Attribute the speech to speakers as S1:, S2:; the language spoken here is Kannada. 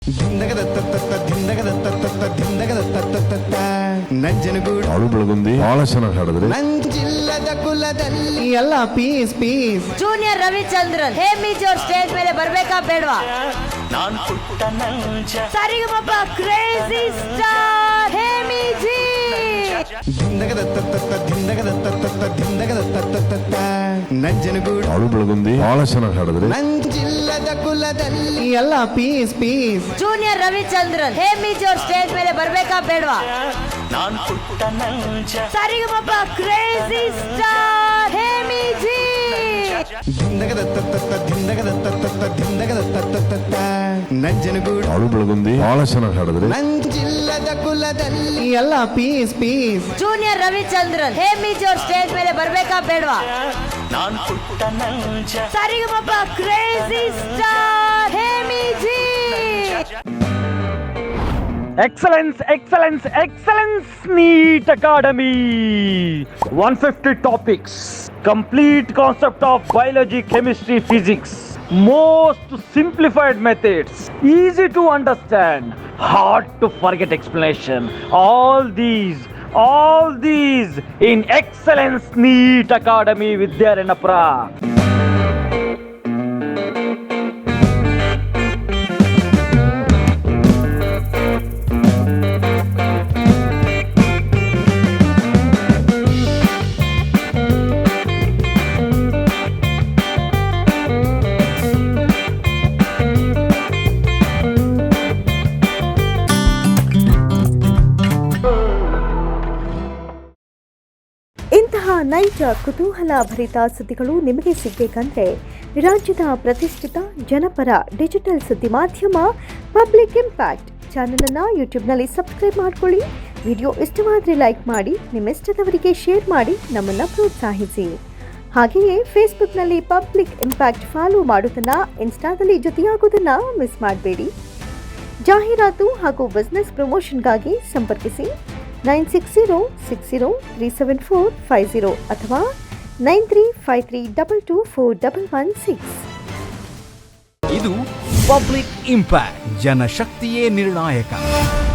S1: ನಂಜನಗೂಡು
S2: ಹಾಡು ಬೆಳಗುಂದಿ ಬಹಳ ಚೆನ್ನಾಗಿ ಹಾಡಿದ್ರಿ.
S1: ನಂಜಿಲ್ಲದ ಕುಲದಲ್ಲಿ ಎಲ್ಲ ಪೀಸ್ ಪೀಸ್.
S3: ಜೂನಿಯರ್ ರವಿಚಂದ್ರನ್ ಹೇಮಿಜೋರ್ ಸ್ಟೇಜ್ ಮೇಲೆ ಬರ್ಬೇಕಾ ಬೇಡವಾ? ಸರಿಗಮಪ ಕ್ರೇಜಿ ಸ್ಟಾರ್ ಹೇಮಿಜಿ.
S1: ನಂಜನಗೂಡು
S2: ಹಾಡು ಬೆಳಗುಂದಿ ಬಹಳ ಚೆನ್ನಾಗಿ ಹಾಡಿದ್ರಿ.
S1: ನಂಜಿಲ್ಲದ ಕುಲದಲ್ಲಿ ಎಲ್ಲ ಪೀಸ್ ಪೀಸ್.
S3: ಜೂನಿಯರ್ ರವಿಚಂದ್ರನ್ ಹೇಮಿಜೋರ್ ಸ್ಟೇಜ್ ಮೇಲೆ ಬರ್ಬೇಕಾ ಬೇಡವಾ? ಸರಿಗಮಪ ಕ್ರೇಜಿ ಸ್ಟಾರ್ ಹೇಮಿಜಿ.
S1: ನಂಜನಗೂಡು
S2: ಹಾಡು ಬೆಳಗುಂದಿ ಬಹಳ ಚೆನ್ನಾಗಿ ಹಾಡಿದ್ರಿ.
S1: ನಂಜಿಲ್ಲದ ಕುಲದಲ್ಲಿ ಎಲ್ಲ ಪೀಸ್ ಪೀಸ್.
S3: ಜೂನಿಯರ್ ರವಿಚಂದ್ರನ್ ಹೇಮಿಜೋರ್ ಸ್ಟೇಜ್ ಮೇಲೆ ಬರ್ಬೇಕಾ ಬೇಡವಾ? ಸರಿಗಮಪ ಕ್ರೇಜಿ ಸ್ಟಾರ್ ಹೇಮಿಜಿ.
S4: Excellence, excellence, excellence, NEET Academy. 150 topics, complete concept of biology, chemistry, physics, most simplified methods, easy to understand, hard to forget explanation. All these in Excellence NEET Academy Vidyaranapura.
S5: ಇಂತಹ ನೈಜ ಕುತೂಹಲ ಭರಿತ ಸುದ್ದಿಗಳು ನಿಮಗೆ ಸಿಗಬೇಕಂದ್ರೆ ರಾಜ್ಯದ ಪ್ರತಿಷ್ಠಿತ ಜನಪರ ಡಿಜಿಟಲ್ ಸುದ್ದಿ ಮಾಧ್ಯಮ ಪಬ್ಲಿಕ್ ಇಂಪ್ಯಾಕ್ಟ್ ಚಾನಲನ್ನು ಯೂಟ್ಯೂಬ್ನಲ್ಲಿ ಸಬ್ಸ್ಕ್ರೈಬ್ ಮಾಡಿಕೊಳ್ಳಿ. ವಿಡಿಯೋ ಇಷ್ಟವಾದರೆ ಲೈಕ್ ಮಾಡಿ, ನಿಮ್ಮಿಷ್ಟದವರಿಗೆ ಶೇರ್ ಮಾಡಿ ನಮ್ಮನ್ನು ಪ್ರೋತ್ಸಾಹಿಸಿ. ಹಾಗೆಯೇ ಫೇಸ್ಬುಕ್ನಲ್ಲಿ ಪಬ್ಲಿಕ್ ಇಂಪ್ಯಾಕ್ಟ್ ಫಾಲೋ ಮಾಡೋದನ್ನು, ಇನ್ಸ್ಟಾದಲ್ಲಿ ಜೊತೆಯಾಗೋದನ್ನು ಮಿಸ್ ಮಾಡಬೇಡಿ. ಜಾಹೀರಾತು ಹಾಗೂ ಬಿಸ್ನೆಸ್ ಪ್ರಮೋಷನ್ಗಾಗಿ ಸಂಪರ್ಕಿಸಿ 9606037450 ಅಥವಾ 9353224116.
S6: ಇದು ಪಬ್ಲಿಕ್ ಇಂಪ್ಯಾಕ್ಟ್, ಜನಶಕ್ತಿಯೇ ನಿರ್ಣಾಯಕ.